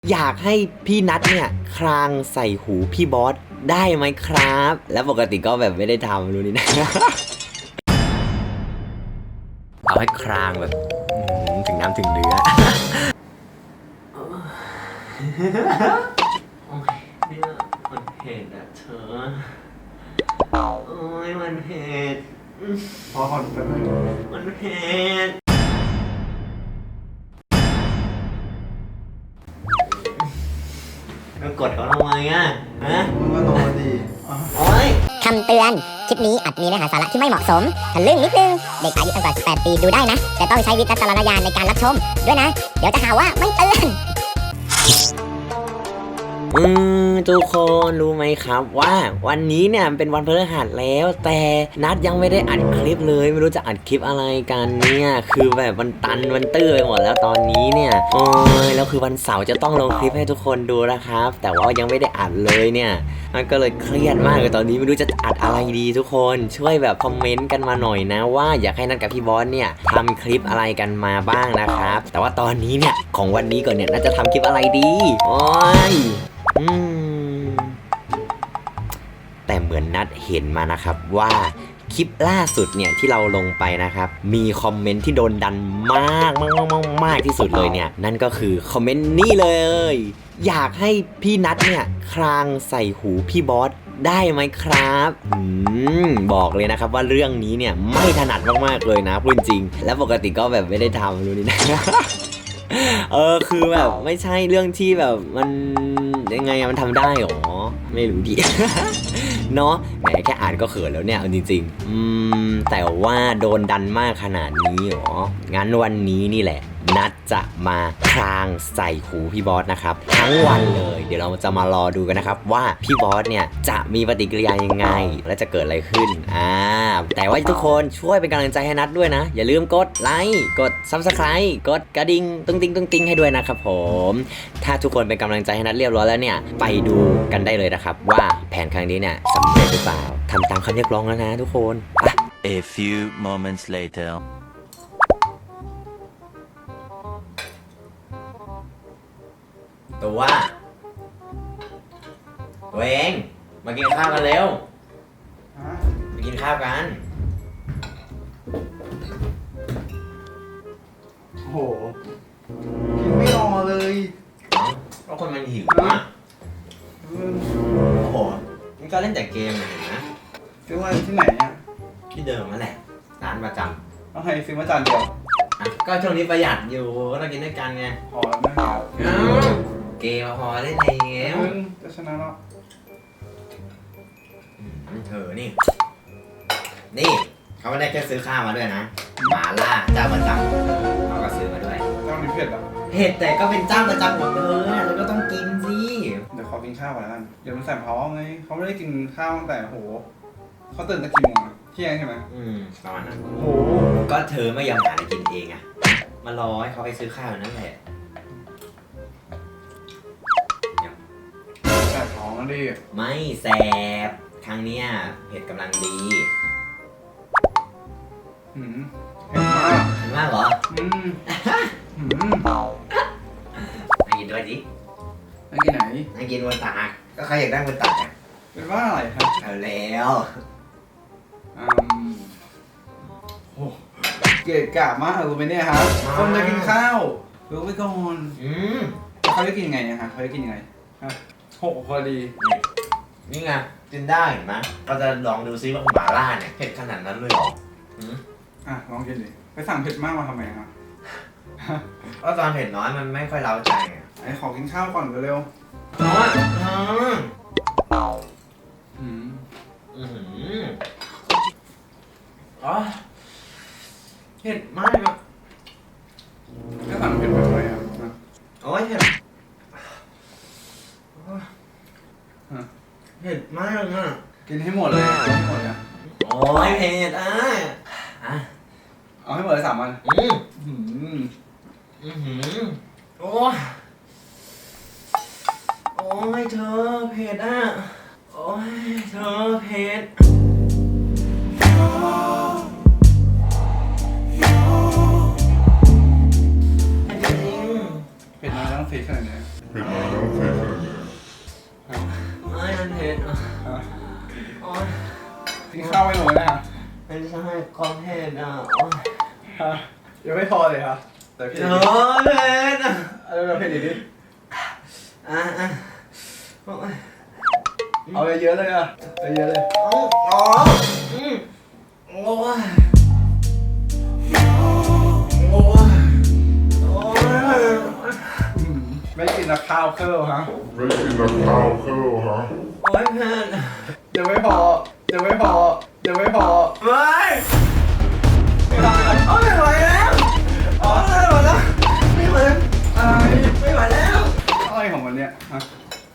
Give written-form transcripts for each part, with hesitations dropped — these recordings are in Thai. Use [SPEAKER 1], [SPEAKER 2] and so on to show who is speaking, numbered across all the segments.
[SPEAKER 1] อยากให้พี่นัทเนี่ยครางใส่หูพี่บอสได้ไหมครับ แล้วปกติก็แบบไม่ได้ทำรู้นี่นะ เอาให้ครางแบบถึงน้ำถึงเนื้อ
[SPEAKER 2] โอ้ยเนี่ยมันเผ็ดอะเธอโอ้ยมันเผ็ด
[SPEAKER 3] พอก่อนเป็นไร
[SPEAKER 2] มันเผ็ดแล้วกดเขาทำไมอะฮะ
[SPEAKER 3] มึงก็โตดี
[SPEAKER 2] โอ้ย
[SPEAKER 4] คำเตือน คลิปนี้อาจมีเนื้อหาสาระที่ไม่เหมาะสมทะลึ่งนิดนึง เด็กอายุต่ำกว่า 18 ปีดูได้นะ แต่ต้องใช้วิจารณญาณในการรับชม ด้วยนะ เดี๋ยวจะหาว่าไม่เตือน
[SPEAKER 1] ทุกคนรู้ไหมครับว่าวันนี้เนี่ยเป็นวันพฤหัสแล้วแต่นัดยังไม่ได้อัดคลิปเลยไม่รู้จะอัดคลิปอะไรกันเนี่ยคือแบบมันตันมันตื้อไปหมดแล้วตอนนี้เนี่ยโอ้ยแล้วคือวันเสาร์จะต้องลงคลิปให้ทุกคนดูนะครับแต่ว่ายังไม่ได้อัดเลยเนี่ยมันก็เลยเครียดมากเลยตอนนี้ไม่รู้จะอัดอะไรดีทุกคนช่วยแบบคอมเมนต์กันมาหน่อยนะว่าอยากให้นัดกับพี่บอสเนี่ยทำคลิปอะไรกันมาบ้างนะครับแต่ว่าตอนนี้เนี่ยของวันนี้ก่อนเนี่ยน่าจะทำคลิปอะไรดีโอ้ยแต่เหมือนนัดเห็นมานะครับว่าคลิปล่าสุดเนี่ยที่เราลงไปนะครับมีคอมเมนต์ที่โดนดันมากที่สุดเลยเนี่ยนั่นก็คือคอมเมนต์นี้เลยอยากให้พี่นัทเนี่ยครางใส่หูพี่บอสได้ไหมครับบอกเลยนะครับว่าเรื่องนี้เนี่ยไม่ถนัดมากๆเลยนะพูดจริงแล้วปกติก็แบบไม่ได้ทำรู้นี่นะ คือแบบไม่ใช่เรื่องที่แบบมันยังไงมันทำได้หรอไม่รู้ดิ เนาะแหมแค่อ่านก็เขินแล้วเนี่ยเอาจริงๆแต่ว่าโดนดันมากขนาดนี้หรองั้นวันนี้นี่แหละนัดจะมาครางใส่หูพี่บอสนะครับทั้งวันเลยเดี๋ยวเราจะมารอดูกันนะครับว่าพี่บอสเนี่ยจะมีปฏิกิริยายังไงและจะเกิดอะไรขึ้นแต่ว่าทุกคนช่วยเป็นกำลังใจให้นัดด้วยนะอย่าลืมกดไลค์กด Subscribe กดกระดิ่งตุ้งติ้งให้ด้วยนะครับผมถ้าทุกคนเป็นกำลังใจให้นัดเรียบร้อยแล้วเนี่ยไปดูกันได้เลยนะครับว่าแผนครั้งนี้เนี่ยสำเร็จหรือเปล่าทำตามคำเรียกร้องแล้วนะทุกคนไป
[SPEAKER 5] A few moments later.
[SPEAKER 1] ตัวเองมากินข้าวกันเร็วมากินข้าวกัน
[SPEAKER 3] โอ้โหกินไม่รอเลย
[SPEAKER 1] เพราะคนมันหิวอ่ะโอ้โหนี่ก็เล่นแต่เกมเลยนะ
[SPEAKER 3] ซื้อมาที่ไหนเนี่ย
[SPEAKER 1] ที่เดิมนั่นแหละร้านประจ
[SPEAKER 3] เอาให้ซื้อมาจานเดียว
[SPEAKER 1] ำก็ช่วงนี้ประหยัดอยู่ก็ต้องกินด้วยกันไง
[SPEAKER 3] พอแล้วไม่เอา
[SPEAKER 1] เกมพอเล่นในเกม
[SPEAKER 3] จะชนะแล้ว
[SPEAKER 1] เธอนี่เขาไม่ได้แค่ซื้อข้าวมาด้วยนะหมาล่าเจ้าประจำเขาก็ซื้อมาด้วย
[SPEAKER 3] เจ้านี้เผ็ดอ่ะ
[SPEAKER 1] เผ็ดแต่ก็เป็นเจ้าประจำของเธอเธอก็ต้องกินสิ
[SPEAKER 3] เดี๋ยวขอกินข้าวก่อนแล้วกันเดี๋ยวมันใส่เขาไงเขาไม่ได้กินข้าวตั้งแต่โหเขาตื่นตะกี่โมงอะเที่ยงใช่ไหม
[SPEAKER 1] ประมาณนั้น
[SPEAKER 3] โอ้โห
[SPEAKER 1] ก็เธอไม่ยอมหาอะไรกินเองอะมารอให้เขาไปซื้อข้าวนั่นแหละ
[SPEAKER 3] แสบท้องแล้วดิ
[SPEAKER 1] ไม่แสบครั้งเนี้ยเผ็ดกำลังดี
[SPEAKER 3] หืมเผ็ดมาก
[SPEAKER 1] เห็นมากเหรอ
[SPEAKER 3] หืม
[SPEAKER 1] ให้กินด้วยดิ
[SPEAKER 3] ไปกินไหน
[SPEAKER 1] ให้กินบนตักก็ใครอยากได้บนตักอะ
[SPEAKER 3] เป็นว่าอะไรครับ
[SPEAKER 1] เอาแล้ว
[SPEAKER 3] อืมโอ้เกลียดกะมากรู้ไหมเนี่ยครับคนจะกินข้าวรู้ไว้ก่อน แล้วเขาจะกินยังไงเนี่ยฮะเขาจะกินยังไงฮะหกพอดี
[SPEAKER 1] นี่ไงกินได้เห็นไหมเราจะลองดูซิว่าหม่าล่าเนี่ยเผ็ดขนาดนั้นเลยเหรอ
[SPEAKER 3] อ่ะลองกินดิไปสั่งเผ็ดมากมาทำไมครับ
[SPEAKER 1] ก็ตอนเผ็ดน้อยมันไม่ค่อยเล้าใจไง
[SPEAKER 3] ไอ้ขอกินข้าวก่อนเร็ว
[SPEAKER 1] น้อย
[SPEAKER 3] ๆอืม
[SPEAKER 1] อ๋อเผ็ดมากอะ
[SPEAKER 3] ก็สั่งเผ็ดไปไว้ครับนะ
[SPEAKER 1] โอ้ยเผ็ดเผ็ดมากอ่ะ
[SPEAKER 3] กินให้หมดเลยกินให้หมดเลย
[SPEAKER 1] โอ้ยเผ็ดอ่ะ
[SPEAKER 3] เอาให้หมดเลย3 วันอืม
[SPEAKER 1] โอ้ยโอ้ยเธอเผ็ดอ่ะโอ้ยเธอเผ็ดจริง
[SPEAKER 3] เผ็ดน้อยต้องซีขนาดนี้
[SPEAKER 1] ๆ
[SPEAKER 2] ไม่มันเผ็ดอ่ะโอ๊ย
[SPEAKER 3] กินข้าวไม่หมดนะ
[SPEAKER 2] ไม่ใช่ความเผ็ดอ่ะโอ๊ย
[SPEAKER 3] ฮะยังไม่พอเลยครับแต่พี่
[SPEAKER 2] เผ็ดอ่ะ
[SPEAKER 3] เราเผ็ดอีกนิด
[SPEAKER 2] อ่ะโอ๊ย
[SPEAKER 3] เอาเยอะๆเลยอ่ะเยอะๆเลย
[SPEAKER 2] อ๋อโอ้ยโอ้ยโอ้ย
[SPEAKER 3] ไม่กินนะข้าวเคิร์ฮะ
[SPEAKER 6] ไม่กินแล้วข้าวเข้าฮะ
[SPEAKER 2] โอ๊ยเผ็ด
[SPEAKER 3] ยังไม่พอยังไม่พอยังไม่พอ
[SPEAKER 2] ไม่โอ๊ยไม่ไหวแล้วโอ๊ยไม่ไหวแล้วไม่ไหวแล้ว
[SPEAKER 3] อะไร
[SPEAKER 2] ไม่ไหวแล้ว
[SPEAKER 3] อะไรของมันเนี่ยฮะ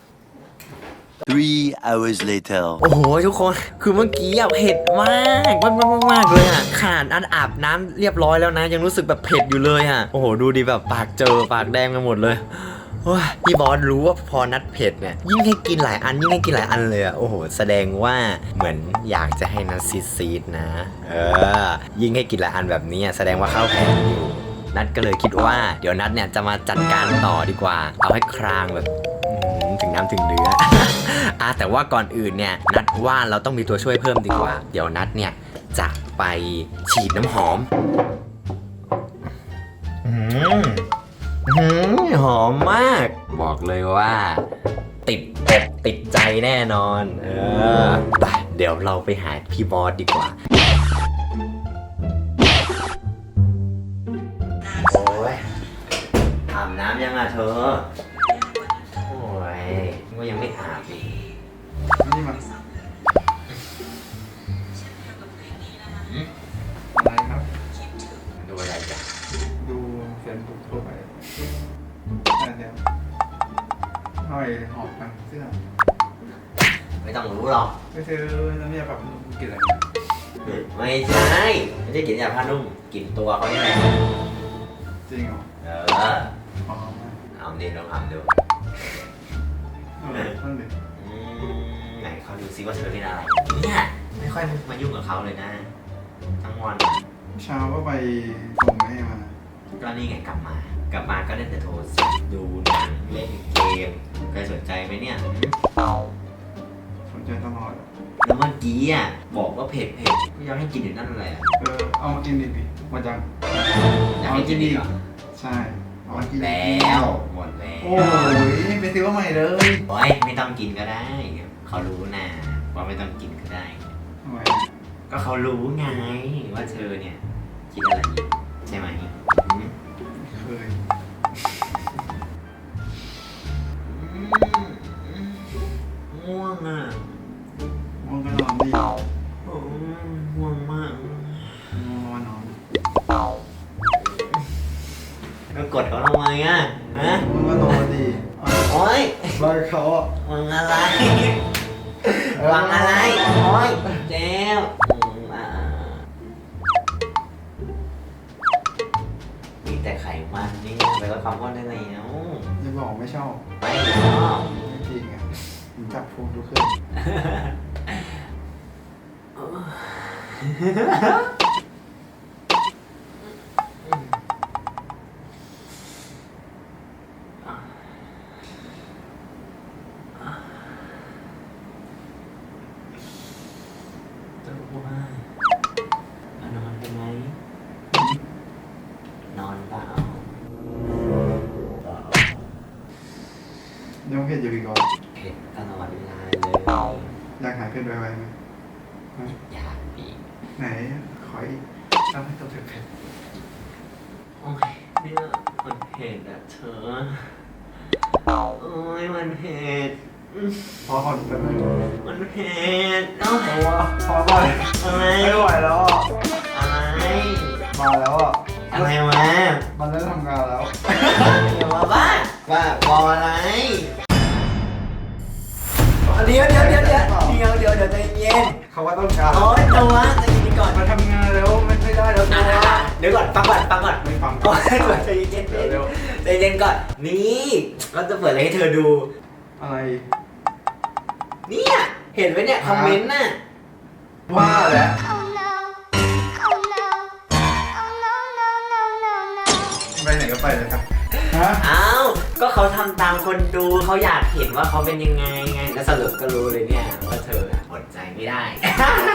[SPEAKER 5] 3 hours later.
[SPEAKER 1] โอ้โหทุกคนคือเมื่อกี้อะเผ็ดมากมากเลยอะขนาดอันอาบน้ำเรียบร้อยแล้วนะ ยังรู้สึกแบบเผ็ดอยู่เลยอะโอ้โหดูดิแบบปากเจอปากแดงกันหมดเลยโอ้ยพี่บอสรู้ว่าพอนัดเผ็ดเนี่ยยิ่งให้กินหลายอันยิ่งให้กินหลายอันเลยอะโอ้โหแสดงว่าเหมือนอยากจะให้นัดซีดๆนะยิ่งให้กินหลายอันแบบนี้แสดงว่าข้าวแพงอยู่นัดก็เลยคิดว่าเดี๋ยวนัดเนี่ยจะมาจัดการต่อดีกว่าเอาให้ครางแบบถึงน้ำถึงเนื้อ แต่ว่าก่อนอื่นเนี่ยนัดว่าเราต้องมีตัวช่วยเพิ่มดีกว่า เดี๋ยวนัดเนี่ยจะไปฉีดน้ำหอมหอมมาก บอกเลยว่า ติดอกติดใจแน่นอนไปเดี๋ยวเราไปหาพี่บอสดีกว่าโอ้ยอาบน้ำยังอ่ะเธอโอ้ยก็ยังไม่อาบอีก
[SPEAKER 3] นี่มันอะไรครับ
[SPEAKER 1] ดูอะไรจ้ะ
[SPEAKER 3] ดูเฟซบุ๊กทั่วไปนั่นเดียวห้อยหอบกันเสื้อ
[SPEAKER 1] ไม่ต้องรู้หรอก
[SPEAKER 3] ไปซื้อน้ำยาปรับผ้านุ่มกินอะไรเนี่ย
[SPEAKER 1] ไม่ใช่ไม่ใช่กลิ่นยาผ้านุ่มกลิ่นตัวเขานี่แหละ
[SPEAKER 3] จริงเหรอ อ๋อ
[SPEAKER 1] เอาดิลองอ่านดู
[SPEAKER 3] นั่นดิ
[SPEAKER 1] ไหนเขาดูซิว่าเธอเล่นอะไรเนี่ยไม่ค่อยมายุ่งกับเขาเลยนะทั้งวัน
[SPEAKER 3] เช้าก็ไปส่งแม่มา
[SPEAKER 1] ก็นี่ไงกลับมาก็เล่นแต่โทรศัพท์ดูหนังเล่นเกมเคยสนใจไหมเนี่ย
[SPEAKER 3] สนใจตลอด
[SPEAKER 1] แล้วเมื่อกี้อ่ะบอกว่าเผ็ดก็ยังให้กินอยู่นั่นแหละ
[SPEAKER 3] เอามากินดิพี่มาจัง
[SPEAKER 1] อยากให้กินอีกเหรอ
[SPEAKER 3] ใช่เอามากิน
[SPEAKER 1] แล้วหมดแล้ว
[SPEAKER 3] โอ้ยไปซื้อมาใหม่เลย
[SPEAKER 1] โอ้ยไม่ต้องกินก็ได้เขารู้นะว่าไม่ต้องกินก็ได้
[SPEAKER 3] ทำไม
[SPEAKER 1] ก็เขารู้ไงว่าเธอเนี่ยคิดอะไรอยู่ใช่ไหมอืม
[SPEAKER 3] เคย
[SPEAKER 2] ง่วงอ่ะ
[SPEAKER 3] มองก็นอนดี
[SPEAKER 2] โอ้ยง่วงมาก
[SPEAKER 3] นอนนอน
[SPEAKER 1] ก็กดเขาทำไมอ่ะฮะ
[SPEAKER 3] มึงก็นอนดี
[SPEAKER 1] โอ้ย
[SPEAKER 3] บายเขาอ่ะ
[SPEAKER 1] ฟังอะไรฟังอะไรโอ้ยเจ๊มีแต่ไขมันนี่ไปลดความอ้วนได้แล้ว
[SPEAKER 3] จะบอกไม่ชอบ
[SPEAKER 1] ไม่ชอบ
[SPEAKER 3] ไม่จริงอ่ะมึงจับพุงทุกคืน
[SPEAKER 2] จะว่านอนเป็นไง
[SPEAKER 1] นอนเปล่า
[SPEAKER 3] ยังเผ็ดอยู่อีกเหรอ
[SPEAKER 1] เผ็ดตลอดเวลาเลย
[SPEAKER 3] อยากหายเผ็ดไวๆไหม
[SPEAKER 1] อยากอีก
[SPEAKER 3] ไหนขออีกทำให้ตัวเผ็ด
[SPEAKER 2] โอ๊ยเนี่ยมันเผ็ดอ่ะเธอโอ๊ยมันเผ็ด
[SPEAKER 3] พอก่อนเป็นไหม
[SPEAKER 2] มันเผ็ดโอ๊ย
[SPEAKER 3] เพราะว่าพอก่อน
[SPEAKER 2] อะไร
[SPEAKER 3] ไม่ไหวแล้วอ่ะ
[SPEAKER 2] อะไร
[SPEAKER 3] มาแล้วอ่ะ
[SPEAKER 2] อะไรวะ
[SPEAKER 3] มันได้ทำงานแล้ว
[SPEAKER 2] อย่ามาบ้าบออะไร
[SPEAKER 1] เดี๋ยวใจเย็น
[SPEAKER 3] เขาว่าต้องการ
[SPEAKER 1] โอ๊ยตัวใจเย็นก่อน
[SPEAKER 3] มาทำงานแล้วไม่ได้แล้วตัว
[SPEAKER 1] เดี๋ยวก่อนฟังก่อน
[SPEAKER 3] ไม่ฟัง
[SPEAKER 1] ก่อนใจเย็นใจเย็นก่อนนี่เราจะเปิดอะไรให้เธอดู
[SPEAKER 3] อะไร
[SPEAKER 1] เนี่ยเห็นไหมเนี่ยคอมเมนต์น่ะ
[SPEAKER 3] ว่าแล้ว
[SPEAKER 4] Oh no Oh no Oh no no no no no
[SPEAKER 3] ไปไหนก็ไปเลยครับฮะ
[SPEAKER 1] อ้าวก็เขาทำตามคนดูเขาอยากเห็นว่าเขาเป็นยังไงไงแล้วสรุปก็รู้เลยเนี่ยว่าเธออดใจไม่ได้